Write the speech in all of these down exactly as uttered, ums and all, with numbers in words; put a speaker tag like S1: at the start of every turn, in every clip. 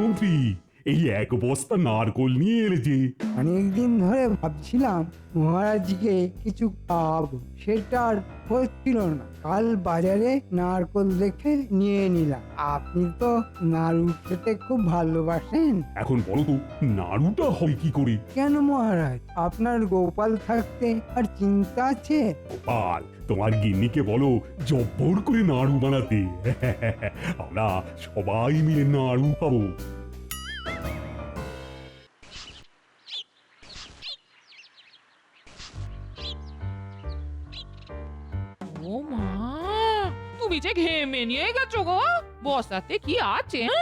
S1: মন্ত্রী, এই এক বস্তা নারকোল নিয়ে এলে যে?
S2: অনেকদিন ধরে ভাবছিলাম মহারাজকে কিছু খাওয়াবো, সেটা আর হচ্ছিল না। কাল বাজারে নারকোল দেখে নিয়ে নিলাম। আপনি তো নাড়ু খেতে খুব ভালোবাসেন।
S1: এখন বলো তো, নাড়ুটা হয় কি করে?
S2: কেন মহারাজ, আপনার গোপাল থাকতে আর চিন্তা আছে?
S1: গোপাল, তোমার গিন্নিকে বলো জব্বর করে নাড়ু বানাতে। আমরা সবাই মিলে নাড়ু খাবো।
S3: ও মা, তুমি যে ঘেমে নিয়ে গেছো গো। বস্তাতে কি আছে? হ্যাঁ?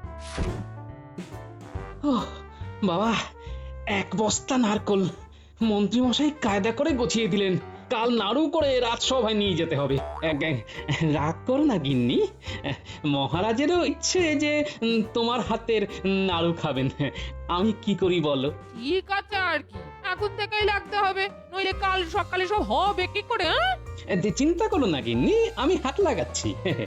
S4: ওহ, বাবা, এক বস্তা নারকল মন্ত্রী মশাই কায়দা করে গুছিয়ে দিলেন। কাল নাড়ু করে রাজসভায় নিয়ে যেতে হবে। এক- এক- রাগ করো না গিন্নি, মহারাজেরও ইচ্ছে যে উম, তোমার হাতের নাড়ু খাবেন। আমি কি করি বলো?
S3: ঠিক আছে আর কি, এখন থেকেই লাগতে হবে, নইলে কাল সকালে সব হবে কি করে? হ্যাঁ?
S4: এ, চিন্তা করো না গিন্নি, আমি হাত লাগাচ্ছি।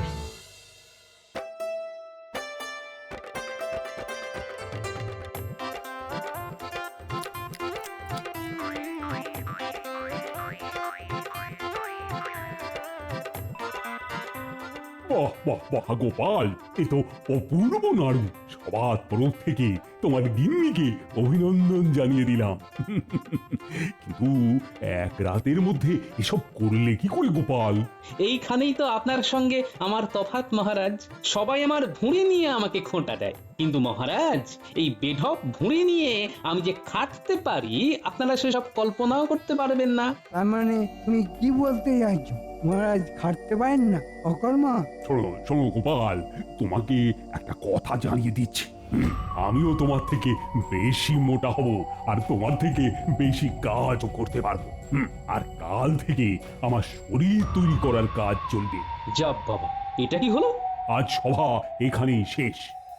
S1: বাহ বাহ বাহ গোপাল, এ তো অপূর্ব নাড়ু। সবার তরফ থেকে তোমার গিন্নিকে অভিনন্দন জানিয়ে দিলাম। কিন্তু এক রাতের মধ্যে এসব করলে কি করে গোপাল?
S4: এইখানেই তো আপনার সঙ্গে আমার তফাৎ মহারাজ। সবাই আমার ভুঁড়ি নিয়ে আমাকে খোঁটা দেয়, কিন্তু মহারাজ এই বেঢপ ভুঁড়ি নিয়ে আমি যে খাটতে পারি আপনারা সেসব কল্পনাও করতে পারবেন না।
S2: তার মানে তুমি কি বলতে চাইছো? মহারাজ খাটতে পারেন না, অকর্মা?
S1: শোনো শোনো গোপাল, তোমাকে একটা কথা জানিয়ে দিচ্ছি। হুম, আমিও তোমার থেকে বেশি মোটা হব, আর তোমার থেকে বেশি কাজও করতে পারবো। হুম, আর কাল থেকে আমার শরীর তৈরি করার কাজ চলবে।
S4: যাব বাবা, এটা কি হলো?
S1: আজ সভা এখানেই শেষ।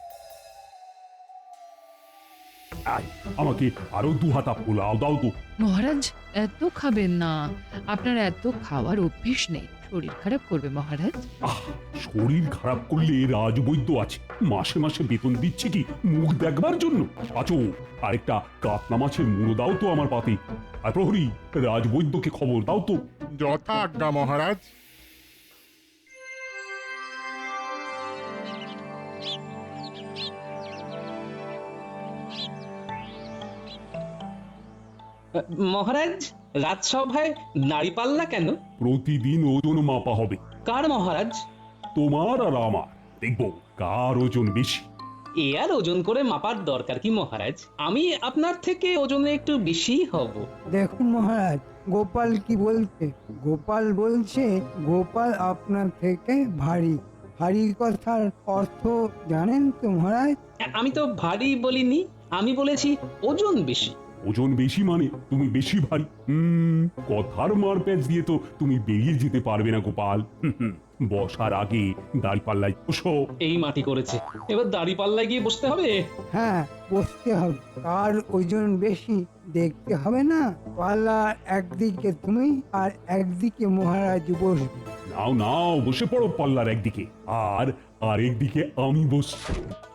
S1: আয়, আমাকে আরো দু হাতা পোলাও দাও তো।
S5: মহারাজ, এত খাবেন না। আপনার এত খাওয়ার অভ্যেস নেই, শরীর খারাপ করবে মহারাজ।
S1: আহ, শরীর খারাপ করলে রাজবৈদ্য আছে, মাসে মাসে বেতন দিচ্ছে কি মুখ দেখবার জন্য? আচো, আরেকটা কাতলা মাছের মুড়ো দাও তো আমার পাতে। আর প্রহরী, রাজবৈদ্যকে খবর দাও তো।
S6: যথা আজ্ঞা মহারাজ।
S4: মহারাজ, রাজসভায় দাঁড়িপাল্লা কেন?
S1: প্রতিদিন ওজন মাপা হবে,
S4: কার মহারাজ?
S1: তোমার আর আমার। দেখবো কার ওজন বেশি।
S4: এ আর ওজন করে মাপার দরকার কি মহারাজ? আমি আপনার থেকে ওজনে একটু বেশি হব।
S2: দেখুন মহারাজ, গোপাল কি বলছে। গোপাল বলছে গোপাল আপনার থেকে ভারী। ভারী কথার অর্থ জানেন তো মহারাজ?
S4: আমি তো ভারী বলিনি, আমি বলেছি ওজন বেশি।
S1: ওজন বেশি মানে তুমি বেশি ভারী। হুম, কথার মার প্যাচ দিয়ে তো তুমি বেরিয়ে যেতে পারবে না গোপাল। হুম, হুম, বসার আগে দাঁড়িপাল্লায় বসো।
S4: এই মাটি করেছে, এবার দাঁড়িপাল্লায় গিয়ে বসতে হবে।
S2: হ্যাঁ, বসতে হবে। কার ওজন বেশি দেখতে হবে না? পাল্লা একদিকে তুমি আর একদিকে মহারাজ বসবে।
S1: নাও নাও, বসে পড়ো পাল্লার একদিকে, আর আরেকদিকে আমি বসছি।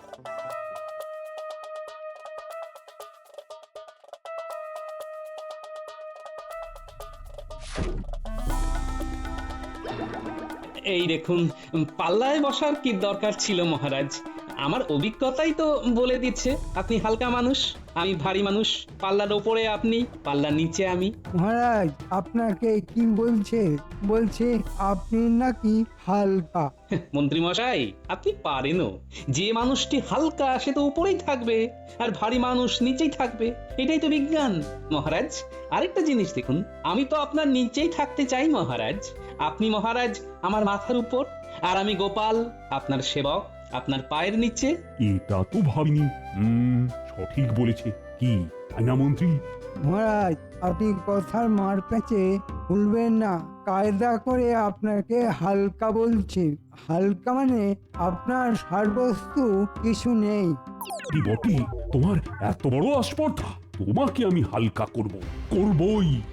S4: এই দেখুন, পাল্লায় বসার কি দরকার ছিল মহারাজ? আমার অভিজ্ঞতাই তো বলে দিচ্ছে আপনি হালকা মানুষ, আমি ভারী মানুষ। পাল্লার ওপরে আপনি, পাল্লার নিচে আমি।
S2: মহারাজ আপনাকে কি বলছে? বলছে আপনি নাকি হালকা।
S4: মন্ত্রী মশাই, আপনি পারেনও। যে মানুষটি হালকা সে তো উপরেই থাকবে, আর ভারী মানুষ নিচেই থাকবে। এটাই তো বিজ্ঞান মহারাজ। আরেকটা জিনিস দেখুন, আমি তো আপনার নিচেই থাকতে চাই মহারাজ। আপনি মহারাজ আমার মাথার উপর, আর আমি গোপাল আপনার সেবক, আপনার পায়ের নিচে।
S1: এটা তো ভাবিনি। হুম, সঠিক বলেছে। কি তাই না মন্ত্রী?
S2: মহারাজ, আপনি কথার মার প্যাচে ভুলবেন না। কায়দা করে আপনাকে হালকা বলছে। হালকা মানে আপনার সারবস্তু কিছু নেই।
S1: কি বটে, তোমার এত বড় আস্পর্ধা? তোমাকে আমি হালকা করব, করবই।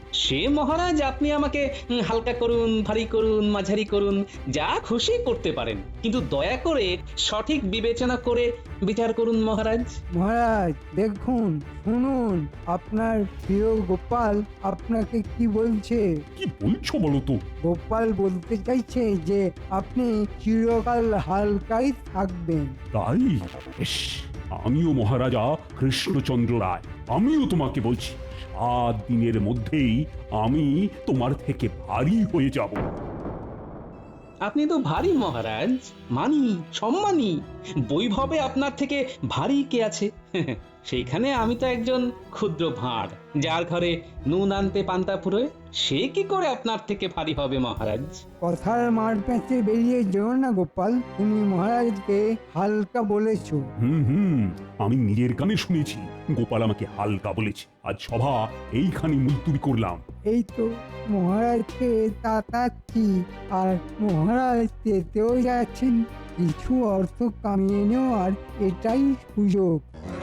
S4: সে মহারাজ আপনি আমাকে উম, হালকা করুন, ভারী করুন, মাঝারি করুন, যা খুশি করতে পারেন, কিন্তু দয়া করে সঠিক বিবেচনা করে বিচার করুন মহারাজ।
S2: মহারাজ দেখুন, শুনুন, আপনার প্রিয় গোপাল আপনাকে কি বলছে।
S1: কি বলছো বলো তো?
S2: গোপাল বলতে চাইছে যে আপনি চিরকাল হালকাই থাকবেন।
S1: তাই? বেশ, আমিও মহারাজা কৃষ্ণচন্দ্র রায়, আমিও তোমাকে বলছি, সাত দিনের মধ্যেই আমি তোমার থেকে ভারী হয়ে যাব।
S4: আপনি তো ভারী মহারাজ, মানি, সম্মানী, বৈভবে আপনার থেকে ভারী কে আছে? সেইখানে আমি তো একজন ক্ষুদ্র ভাঁড়, যার ঘরে নুন আনতে পান্তা ফুরোয়। সে কি করে আপনার থেকে ভারী হবে মহারাজ?
S2: কথার মার প্যাঁচে বেরিয়ে যেও না গোপাল, তুমি মহারাজকে হালকা বলেছো।
S1: হুম হুম আমি নিজের কানে শুনেছি গোপাল আমাকে হালকা বলেছে। আজ সভা এইখানে মুলতুবি করলাম।
S2: এই তো মহারাজকে তাতাচ্ছি, আর মহারাজ যেতেও যাচ্ছেন। কিছু অর্থ কামিয়ে নেওয়ার এটাই সুযোগ।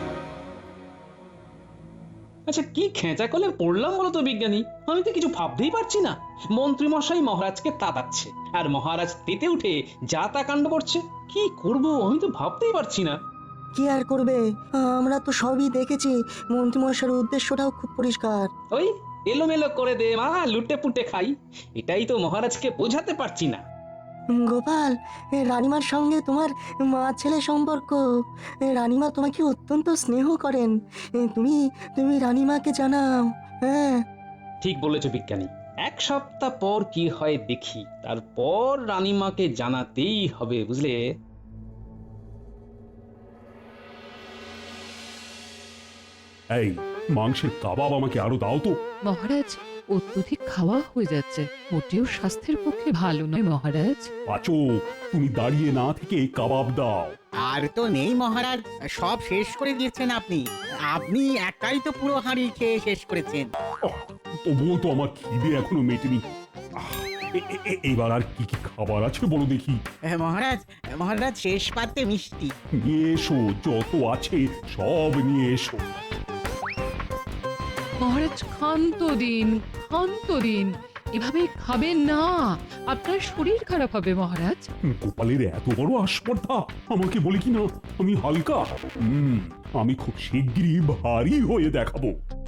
S4: আচ্ছা, কি খেঁচা কলে পড়লাম বলো তো বিজ্ঞানী? আমি তো কিছু ভাবতেই পারছি না। মন্ত্রী মশাই মহারাজকে তাতাচ্ছে, আর মহারাজ তেতে উঠে যা তা কাণ্ড করছে। কি করব আমি তো ভাবতেই পারছি না।
S7: কি আর করবে, আমরা তো সবই দেখেছি। মন্ত্রীমশাইয়ের উদ্দেশ্যটাও খুব পরিষ্কার।
S4: ওই এলোমেলো করে দে মা, লুটে পুটে খাই, এটাই তো মহারাজকে বোঝাতে পারছি না।
S7: গোপাল, এ রানীমার সঙ্গে তোমার মা ছেলে সম্পর্ক। এ রানীমা তোমাকে অত্যন্ত স্নেহ করেন। এ তুমি তুমি রানীমাকে জানাও। হ্যাঁ,
S4: ঠিক বলেছো বিজ্ঞানী, এক সপ্তাহ পর কি হয় দেখি, তারপর রানীমাকে জানাতেই হবে, বুঝলে?
S1: এই মাংসের কাবাব আমাকে আরো দাও তো।
S5: মহারাজ, অত্যধিক খাওয়া হয়ে যাচ্ছে, মোটেও স্বাস্থ্যের পক্ষে ভালো নয় মহারাজ।
S1: পাচো, তুমি দাঁড়িয়ে না থেকে কাবাব দাও।
S8: আর তো নেই মহারাজ, সব শেষ করে দিয়েছেন আপনি। আপনি একাই তো পুরো হাঁড়ি খেয়ে শেষ করেছেন।
S1: ওহ, তবুও তো আমার খিদে এখনো মেটেনি। আহ, এ- এ- এ- এবার আর কি কি খাবার আছে বলো দেখি।
S8: আহ, মহারাজ মহারাজ শেষ পাতে মিষ্টি।
S1: নিয়ে এসো, যত আছে সব নিয়ে এসো।
S5: মহারাজ ক্ষান্ত দিন, ক্ষান্ত দিন, এভাবে খাবেন না, আপনার শরীর খারাপ হবে মহারাজ।
S1: গোপালের এত বড় আস্পর্ধা, আমাকে বলে কি না আমি হালকা। হুম আমি খুব শিগগিরই ভারী হয়ে দেখাবো।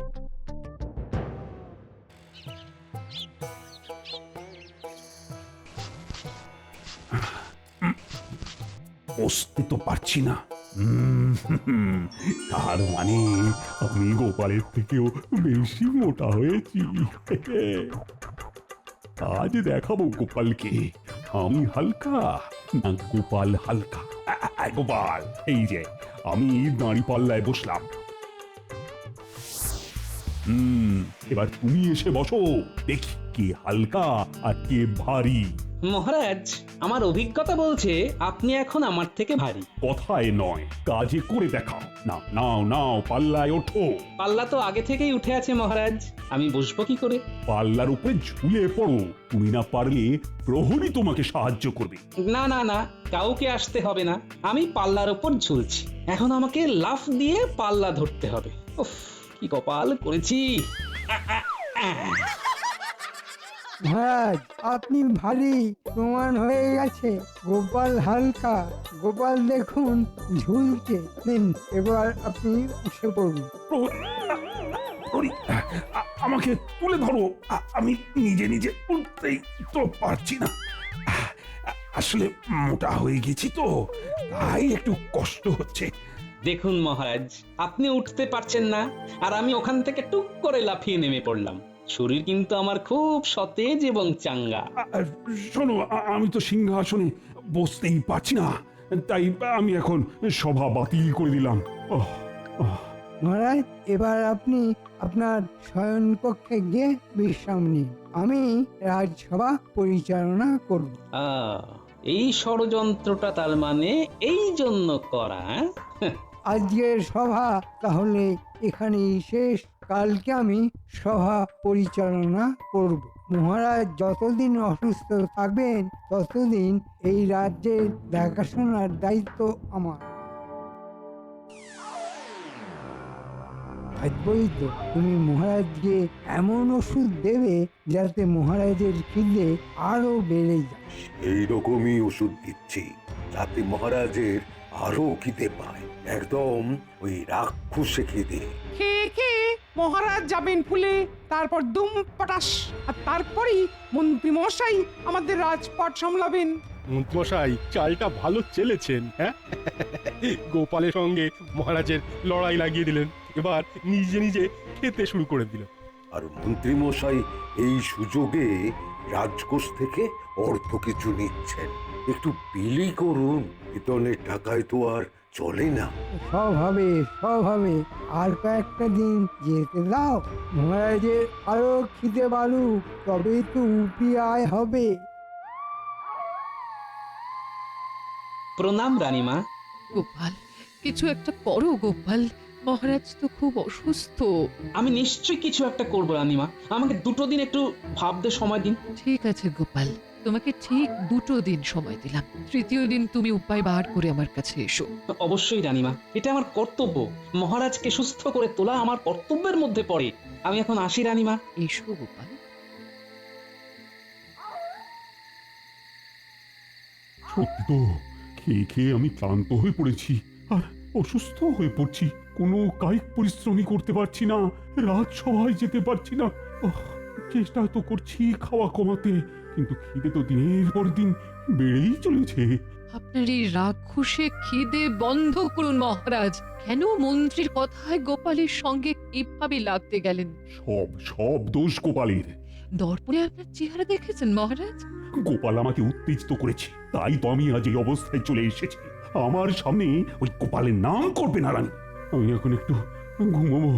S1: বসতে তো পারছি না। হুম, হুম, তার মানে আমি গোপালের থেকেও বেশি মোটা হয়েছি। আজ দেখাবো গোপালকে আমি হালকা না গোপাল হালকা। আ- আ- গোপাল, এই যে আমি দাঁড়ি পাল্লায় বসলাম। হুম এবার তুমি এসে বসো, দেখি কে হালকা আর কে ভারী।
S4: মহারাজ, আমার অভিজ্ঞতা বলছে আপনি এখন আমার থেকে ভারী।
S1: কথায় নয়, কাজে করে দেখাও। না নাও নাও, পাল্লায় ওঠো।
S4: পাল্লা তো আগে থেকেই উঠে আছে মহারাজ, আমি বসবো কি করে?
S1: পাল্লার উপরে ঝুলে পড়ো, তুমি না পারলে প্রহরী তোমাকে সাহায্য করবে।
S4: না না না, কাউকে আসতে হবে না, আমি পাল্লার ওপর ঝুলছি। এখন আমাকে লাফ দিয়ে পাল্লা ধরতে হবে। উফ, কি কপাল করেছি।
S2: মহারাজ আপনি ভারী প্রমাণ হয়ে গেছে, গোপাল হালকা। গোপাল দেখুন ঝুলছে। নিন, এবার আপনি উঠে পড়ুন।
S1: প্রহরী, আ- আমাকে তুলে ধরো, আ- আমি নিজে নিজে উঠতেই তো পারছি না। আ- আসলে মোটা হয়ে গেছি তো, তাই একটু কষ্ট হচ্ছে।
S4: দেখুন মহারাজ, আপনি উঠতে পারছেন না, আর আমি ওখান থেকে টুক করে লাফিয়ে নেমে পড়লাম। শরীর কিন্তু আমার খুব সতেজ এবং চাঙ্গা।
S1: আ- আ, শোনো, আ- আমি তো সিংহাসনে বসতেই পারছি না, তাই আমি এখন সভা বাতিল করে দিলাম। ওহ, ওহ।
S2: মহারাজ এবার আপনি আপনার শয়নকক্ষে গিয়ে বিশ্রাম নিন, আমি রাজসভা পরিচালনা করব।
S4: আহ, এই ষড়যন্ত্রটা তার মানে এই জন্য করা, হ্যাঁ?
S2: আজকের সভা তাহলে এখানেই শেষ। কালকে আমি সভা পরিচালনা করব। মহারাজ যতদিন অসুস্থ থাকবেন ততদিন এই রাজ্যের দেখাশোনার দায়িত্ব আমার। ভাববই তো তুমি মহারাজকে এমন ওষুধ দেবে যাতে মহারাজের খিদে আরো বেড়ে যায়।
S9: এই রকমই ওষুধ দিচ্ছি যাতে মহারাজের আরো খিদে পায়, একদম ওই রাক্ষসে খিদে।
S10: খেয়ে খেয়ে মহারাজ যাবেন ফুলে, তারপর দুম পটাশ, আর তারপরেই মন্ত্রী মশাই আমাদের রাজপাট সামলাবেন।
S6: মন্ত্রমশাই চালটা ভালো চেলেছেন, হ্যাঁ? গোপালের সঙ্গে মহারাজের লড়াই লাগিয়ে দিলেন, এবার নিজে নিজে খেতে শুরু করে দিল।
S9: আর মন্ত্রী মশাই এই সুযোগে রাজকোষ থেকে অর্থ কিছু নিচ্ছেন। একটু বিলি করুন, বেতনের টাকায় তো আর চলে না।
S2: সব হবে, সব হবে। আর কয়েকটা দিন যেতে দাও, মহারাজের আরো খিদে বাড়ুক, তবেই তো উপি আয় হবে।
S4: প্রণাম রানীমা।
S5: গোপাল, কিছু একটা করো গোপাল, মহারাজ তো খুব অসুস্থ।
S4: আমি নিশ্চয়ই কিছু একটা করবো রানীমা, আমাকে দুটো দিন একটু ভাবতে সময় দিন।
S5: ঠিক আছে গোপাল, তোমাকে ঠিক দুটো দিন সময় দিলাম। তৃতীয় দিন তুমি উপায় বার করে আমার কাছে এসো।
S4: অবশ্যই রানীমা, এটা আমার কর্তব্য। মহারাজকে সুস্থ করে তোলা আমার কর্তব্যের মধ্যে পড়ে। আমি এখন আসি রানীমা।
S5: এসো গোপাল।
S1: সত্যি তো, খেয়ে খেয়ে আমি ক্লান্ত হয়ে পড়েছি আর অসুস্থ হয়ে পড়ছি। কোনো কায়িক পরিশ্রমই করতে পারছি না, রাজসভায় যেতে পারছি না। ওহ, চেষ্টা তো করছি খাওয়া কমাতে, কিন্তু খিদে তো দিনের পর দিন বেড়েই চলেছে।
S5: আপনার এই রাক্ষসে খিদে বন্ধ করুন মহারাজ। কেন মন্ত্রীর কথায় গোপালের সঙ্গে কিভাবে লাগতে গেলেন?
S1: সব সব দোষ গোপালের।
S5: দর্পণে আপনার চেহারা দেখেছেন মহারাজ?
S1: গোপাল আমাকে উত্তেজিত করেছে, তাই তো আমি আজ এই অবস্থায় চলে এসেছি। আমার সামনে ওই গোপালের নাম করবে না রানী। আমি এখন একটু ঘুমাবো।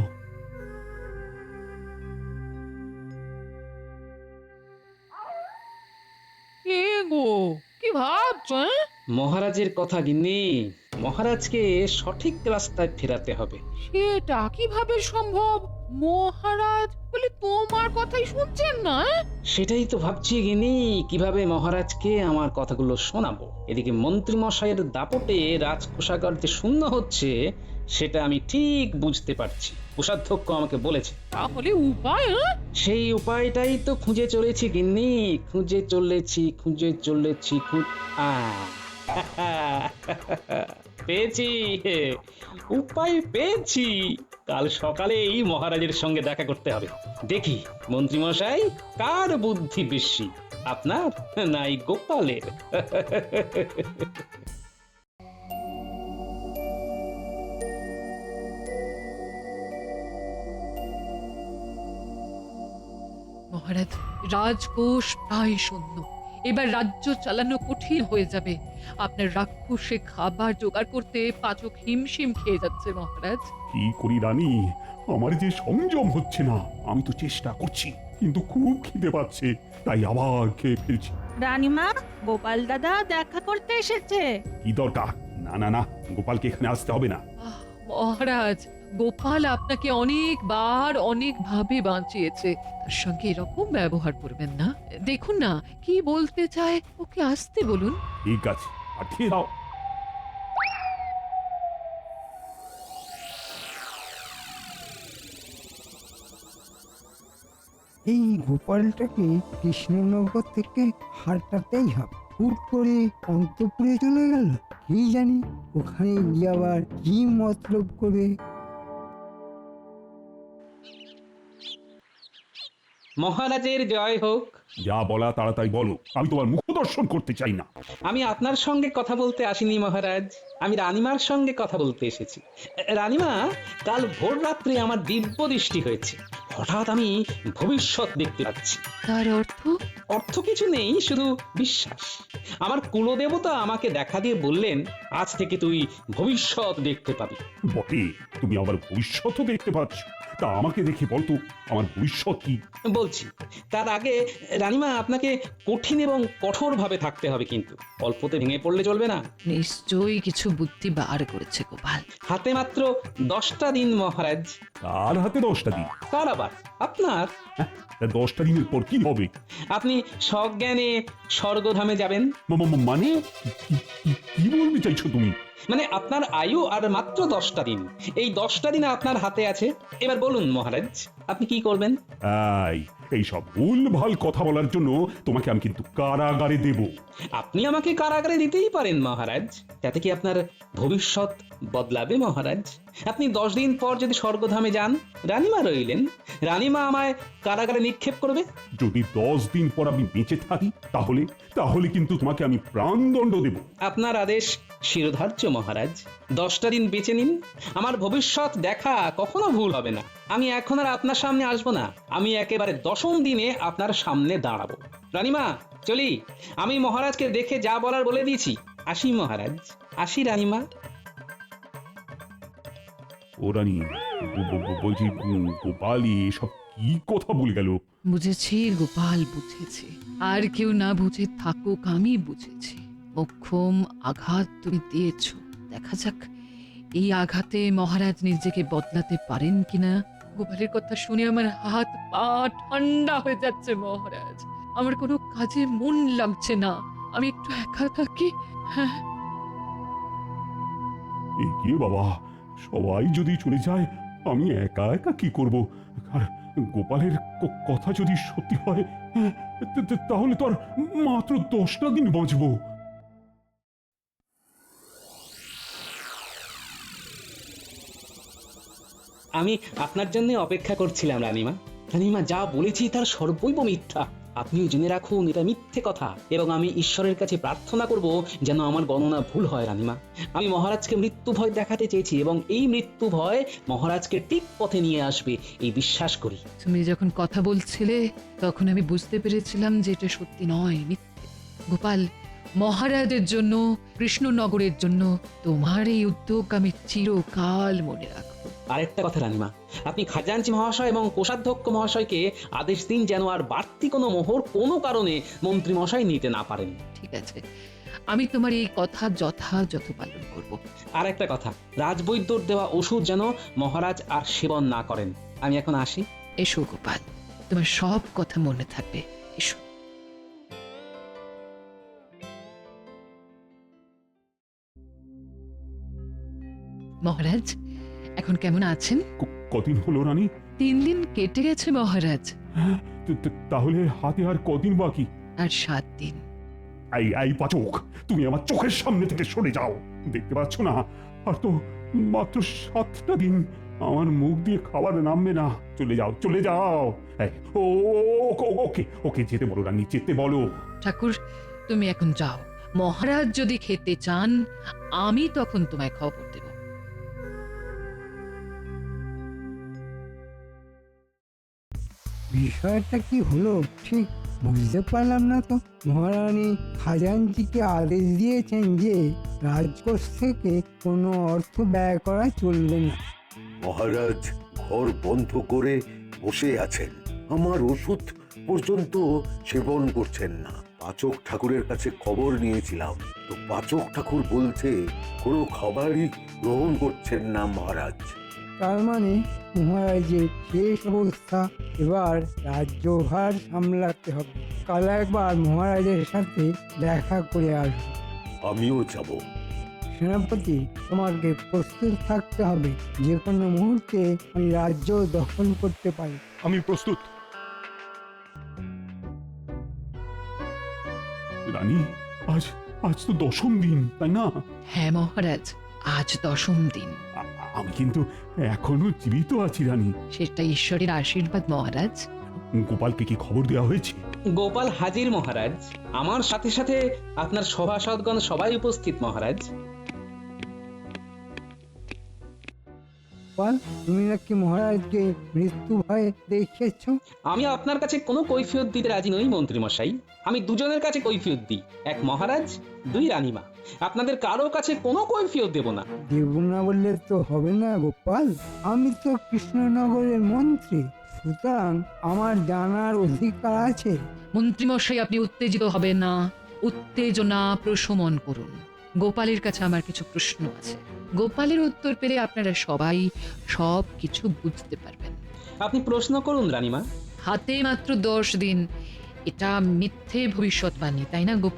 S3: কে গো, কি ভাবছো? হ্যাঁ?
S4: মহারাজের কথা গিন্নি, মহারাজকে সঠিক রাস্তায় ফেরাতে হবে।
S3: সেটা কিভাবে সম্ভব? মহারাজ বলে তোমার কথাই শুনছেন না? হ্যাঁ?
S4: সেটাই তো ভাবছি গিন্নি, কিভাবে মহারাজকে আমার কথাগুলো শোনাবো। এদিকে মন্ত্রী মশাইয়ের দাপটে রাজকোষাগার যে শূন্য হচ্ছে সেটা আমি ঠিক বুঝতে পারছি। কোষাধ্যক্ষ আমাকে বলেছে।
S3: তাহলে উপায়? হ্যাঁ?
S4: সেই উপায়টাই তো খুঁজে চলেছি গিন্নি, খুঁজে চলেছি খুঁজে চলেছি খুঁজ আহ, পেয়েছি, উপায় পেয়েছি। কাল সকালেই মহারাজের সঙ্গে দেখা করতে হবে। দেখি মন্ত্রী মশাই কার বুদ্ধি বেশি, আপনার নাই গোপালের।
S5: মহারাজ, রাজকোষ প্রায় শূন্য। এবার রাজ্য চালানো কঠিন হয়ে যাবে। আপনার রাক্ষসে খাবার জোগাড় করতে পাচক হিমশিম খেয়ে যাচ্ছে মহারাজ।
S1: কি করি রানী, আমার যে সংযম হচ্ছে না। আমি তো চেষ্টা করছি, কিন্তু খুব খিদে পাচ্ছে, তাই আবার খেয়ে ফেলছি।
S11: রানীমা, গোপাল দাদা দেখা করতে এসেছে।
S1: কি দরকার? না না না, গোপালকে এখানে আসতে হবে না।
S5: আহ, মহারাজ, গোপাল আপনাকে অনেকবার অনেক ভাবে বাঁচিয়েছে, তার সঙ্গে এরকম ব্যবহার করবেন না। দেখুন না কি বলতে চায়, ওকে আসতে বলুন।
S1: ঠিক আছে, পাঠিয়ে দাও।
S2: এই গোপালটাকে কৃষ্ণনগর থেকে হাঁটাতেই হবে। হুট করে অন্তপুরে চলে গেল, কি জানি ওখানে গিয়ে আবার কি মতলব করে।
S4: মহারাজের জয় হোক।
S1: যা বলা তাড়াতাড়ি বলো, আমি তোমার মুখ দর্শন করতে চাই না।
S4: আমি আপনার সঙ্গে কথা বলতে আসিনি মহারাজ, আমি রানীমার সঙ্গে কথা বলতে এসেছি। রানীমা, কাল ভোর রাত্রে আমার দিব্য দৃষ্টি হয়েছে। হঠাৎ আমি ভবিষ্যৎ দেখতে পাচ্ছি।
S5: তার অর্থ?
S4: অর্থ কিছু নেই, শুধু বিশ্বাস। আমার কুলদেবতা আমাকে দেখা দিয়ে বললেন, আজ থেকে তুই ভবিষ্যৎ দেখতে পাবি।
S1: বটে, তুমি আমার ভবিষ্যৎও দেখতে পাচ্ছ। তা আমাকে দেখে বলতো আমার ভবিষ্যৎ কি?
S4: বলছি, তার আগে রানীমা আপনাকে কঠিন এবং কঠোর ভাবে থাকতে হবে, কিন্তু অল্পতে ভেঙে পড়লে চলবে না।
S5: নিশ্চয়ই কিছু বুদ্ধি বার করেছে গোপাল।
S4: হাতে মাত্র দশটা দিন মহারাজ।
S1: তার হাতে দশটা দিন?
S4: কার আবার? আপনার।
S1: তা দশটা দিনের পর কি হবে?
S4: আপনি সজ্ঞানে স্বর্গধামে যাবেন।
S1: মা- মা- মানে কি- কি- কি বলতে চাইছো তুমি?
S4: মানে আপনার আয়ু আর মাত্র দশটা দিন। এই দশটা দিন আপনার হাতে আছে। এবার বলুন মহারাজ, আপনি কি করবেন?
S1: এই এই সব ভুলভাল কথা বলার জন্য তোমাকে আমি কিন্তু কারাগারে দেব।
S4: আপনি আমাকে কারাগারে দিতেই পারেন মহারাজ, তাতে কি আপনার ভবিষ্যৎ বদলাবে মহারাজ? আপনি দশ দিন পর যদি স্বর্গধামে যান, রানীমা রইলেন, রানীমা আমায় কারাগারে নিক্ষেপ করবে।
S1: যদি দশ দিন পর আমি বেঁচে থাকি তাহলে তাহলে কিন্তু তোমাকে আমি প্রাণদণ্ড দেব।
S4: আপনার আদেশ শিরোধার্য মহারাজ। দশটা দিন বেঁচে নিন, আমার ভবিষ্যৎ দেখা কখনো ভুল হবে না। আমি এখন আর আপনার সামনে আসবো না, আমি একেবারে দশম দিনে আপনার সামনে দাঁড়াবো। রানীমা চলি, আমি মহারাজকে দেখে যা বলার বলে দিয়েছি। আসি মহারাজ, আসি রানীমা।
S1: ও রানী, ব- ব- ব- বলছি উম, গোপালি এসব কি কথা বলে গেল?
S5: বুঝেছি গোপাল, বুঝেছি। আর কেউ না বুঝে থাকুক, আমি বুঝেছি। মোক্ষম আঘাত তুমি দিয়েছ, দেখা যাক এই আঘাতে মহারাজ নিজেকে বদলাতে পারেন কিনা। গোপালের কথা শুনে আমার হাত পা ঠান্ডা হয়ে যাচ্ছে মহারাজ। আমার কোনো কাজে মন লাগছে না, আমি একটু একা থাকি। হ্যাঁ,
S1: এগিয়ে বাবা, সবাই যদি চলে যায় আমি একা একা কি করব? আর গোপালের ক- কথা যদি সত্যি হয়, হ্যাঁ, তা- তা- তাহলে তো আর মাত্র দশটা দিন বাঁচবো।
S4: আমি আপনার জন্য অপেক্ষা করছিলাম রানীমা। রানীমা, যা বলেছি তার সর্বৈব মিথ্যা। আপনিও জেনে রাখুন এটা মিথ্যে কথা, এবং আমি ঈশ্বরের কাছে প্রার্থনা করব যেন আমার গণনা ভুল হয় রানীমা। আমি মহারাজকে মৃত্যু ভয় দেখাতে চেয়েছি, এবং এই মৃত্যু ভয় মহারাজকে ঠিক পথে নিয়ে আসবে এই বিশ্বাস করি।
S5: তুমি যখন কথা বলছিলে তখন আমি বুঝতে পেরেছিলাম যে এটা সত্যি নয়, মিথ্যে। গোপাল, মহারাজের জন্য, কৃষ্ণনগরের জন্য তোমার এই উদ্যোগ আমি চিরকাল মনে রাখবো।
S4: আরেকটা কথা রানীমা, আপনি খাজাঞ্চি মহাশয় এবং কোষাধ্যক্ষ মহাশয়কে আদেশ দিন যেন আর বাড়তি কোনো মোহর কোনো কারণে মন্ত্রী মশাই নিতে না পারেন।
S5: ঠিক আছে, আমি তোমার এই কথা যথাযথ পালন করব।
S4: আর একটা কথা, রাজবৈদ্যর দেওয়া ওষুধ যেন মহারাজ আর সেবন না করেন। আমি এখন আসি।
S5: এসো গোপাল, তোমার সব কথা মনে থাকবে। এসো। মহারাজ এখন কেমন আছেন?
S1: ক- কদিন হলো রানী?
S5: তিন দিন কেটে গেছে মহারাজ,
S1: হ্যাঁ, তা- তা- তাহলে হাতে আর কদিন বাকি?
S5: আর সাত দিন।
S1: এই এই পাচক, তুমি আমার চোখের সামনে থেকে সরে যাও। দেখতে পাচ্ছ না, আর তো মাত্র সাতটা দিন। আমার মুখ দিয়ে খাবার নামবে না। চলে যাও, চলে যাও। এই, ও ও- ও- ওকে ওকে যেতে বলো রানী, যেতে বলো।
S5: ঠাকুর, তুমি এখন যাও। মহারাজ যদি খেতে চান আমি তখন তোমায় খবর দেব।
S2: বিষয়টা কি হলো ঠিক বুঝতে পারলাম না তো। মহারানী খাজাঞ্চিকে আদেশ দিয়েছেন যে রাজকোষ থেকে কোনো অর্থ ব্যয় করা চলবে না।
S9: মহারাজ ঘর বন্ধ করে বসে আছেন, আমার ওষুধ পর্যন্ত সেবন করছেন না। পাচক ঠাকুরের কাছে খবর নিয়েছিলাম, তো পাচক ঠাকুর বলছে কোনো খাবারই গ্রহণ করছেন না মহারাজ।
S2: তার মানে মহারাজের শেষ অবস্থা, এবার রাজ্যভার সামলাতে হবে। কাল একবার মহারাজের সাথে দেখা করে আসবো।
S9: আমিও যাব।
S2: সেনাপতি, তোমাকে প্রস্তুত থাকতে হবে। যে কোনো মুহূর্তে আমি রাজ্য দখল করতে পারি।
S6: আমি প্রস্তুত।
S1: রানী, আজ আজ তো দশম দিন, তাই না?
S5: হ্যাঁ মহারাজ, আজ দশম দিন।
S1: আ- আমি কিন্তু এখনো জীবিত আছি রানী।
S5: সেটা ঈশ্বরের আশীর্বাদ মহারাজ।
S1: গোপালকে কি খবর দেওয়া হয়েছে?
S4: গোপাল হাজির মহারাজ, আমার সাথে সাথে আপনার সভাসদগণ সবাই উপস্থিত মহারাজ।
S2: গোপাল, তুমি নাকি মহারাজকে মৃত্যু ভয়ে দেখিয়েছ?
S4: আমি আপনার কাছে কোনো কৈফিয়ত দিতে রাজি নই মন্ত্রী মশাই। আমি দুজনের কাছে কৈফিয়ত দিই, এক মহারাজ, দুই রানীমা। আপনাদের কারো কাছে কোনো কৈফিয়ত দেব না।
S2: দেব না বললে তো হবে না গোপাল। আমি তো কৃষ্ণনগরের মন্ত্রী, সুতরাং আমার জানার অধিকার আছে।
S5: মন্ত্রীমশাই, আপনি উত্তেজিত হবেন না, উত্তেজনা প্রশমন করুন। গোপালের কাছে আমার কিছু প্রশ্ন আছে, গোপালের উত্তর পেলে আপনারা সবাই সব কিছু বুঝতে পারবেন।
S4: আপনি প্রশ্ন করুন রানীমা।
S5: হাতে মাত্র দশ দিন, এটা মিথ্যে ভবিষ্যৎবাণী, তাই না গোপাল?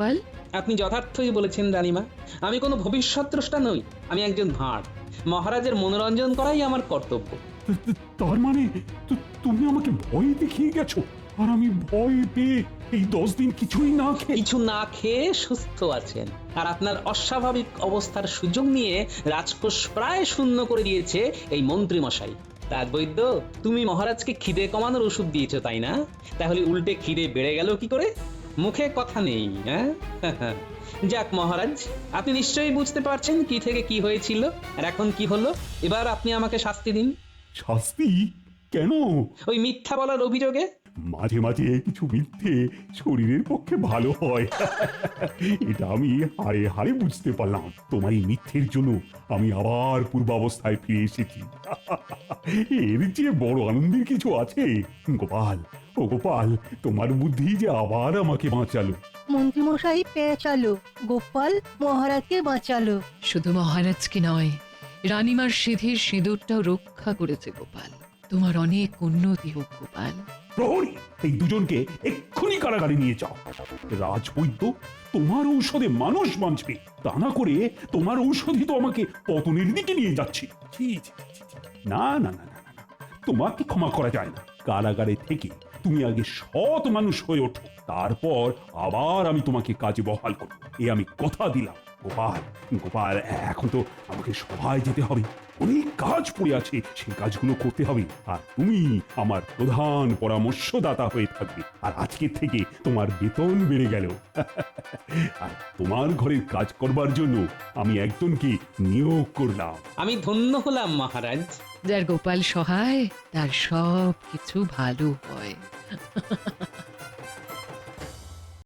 S4: আপনি যথার্থই বলেছেন রানীমা। আমি কোনো ভবিষ্যৎ দ্রষ্টা নই, আমি একজন ভাঁড়। মহারাজের মনোরঞ্জন করাই আমার কর্তব্য।
S1: তা- তা- তার মানে তু- তুমি আমাকে ভয় দেখিয়ে গেছো, আর আমি ভয় পেয়ে এই দশ দিন কিছুই না খেয়ে
S4: কিছু না খেয়ে সুস্থ আছেন, আর আপনার অস্বাভাবিক অবস্থার সুযোগ নিয়ে রাজকোষ প্রায় শূন্য করে দিয়েছে এই মন্ত্রী মশাই। রাজবৈদ্য, তুমি মহারাজকে খিদে কমানোর ওষুধ দিয়েছো তাই না? তাহলে উল্টে খিদে বেড়ে গেল কি করে? মুখে কথা নেই, হ্যাঁ? যাক মহারাজ, আপনি নিশ্চয়ই বুঝতে পারছেন কি থেকে কি হয়েছিল আর এখন কি হলো। এবার আপনি আমাকে শাস্তি দিন।
S1: শাস্তি কেন?
S4: ওই মিথ্যা বলার অভিযোগে।
S1: মাঝে মাঝে কিছু মিথ্যে শরীরের পক্ষে ভালো হয়, এটা আমি হারে হারে বুঝতে পারলাম। তোমার এই মিথ্যের জন্য আমি আবার পূর্বাবস্থায় ফিরে এসেছি। এর যে বড় আনন্দের কিছু আছে। গোপাল, ও গোপাল, তোমার বুদ্ধি যে আবার আমাকে বাঁচালো।
S12: মন্ত্রীমশাই পেঁচালো, গোপাল মহারাজকে বাঁচালো।
S5: শুধু মহারাজকে নয়, রানীমার সিঁথির সিঁদুরটাও রক্ষা করেছে গোপাল। তোমার অনেক উন্নতি হোক গোপাল।
S1: প্রহরী, এই দুজনকে এক্ষুনি কারাগারে নিয়ে যাও। রাজবৈদ্য, তোমার ঔষধে মানুষ বাঁচবে, তা না করে তোমার ঔষধই তো আমাকে পতনের দিকে নিয়ে যাচ্ছে। ছি, ছি, ছি, ছি। না না না না না না, তোমাকে ক্ষমা করা যায় না। কারাগারে থেকে তুমি আগে সৎ মানুষ হয়ে ওঠো, তারপর আবার আমি তোমাকে কাজে বহাল করব, এ আমি কথা দিলাম। গোপাল, গোপাল, এখন তো আমাকে সভায় যেতে হবে, অনেক কাজ পড়ে আছে, সেই কাজগুলো করতে হবে। আর তুমি আমার প্রধান পরামর্শদাতা হয়ে থাকবে, আর আজকের থেকে তোমার বেতন বেড়ে গেল। আর তোমার ঘরের কাজ করবার জন্য আমি একজনকে নিয়োগ করলাম।
S4: আমি ধন্য হলাম মহারাজ।
S5: যার গোপাল সহায় তার সব কিছু ভালো হয়।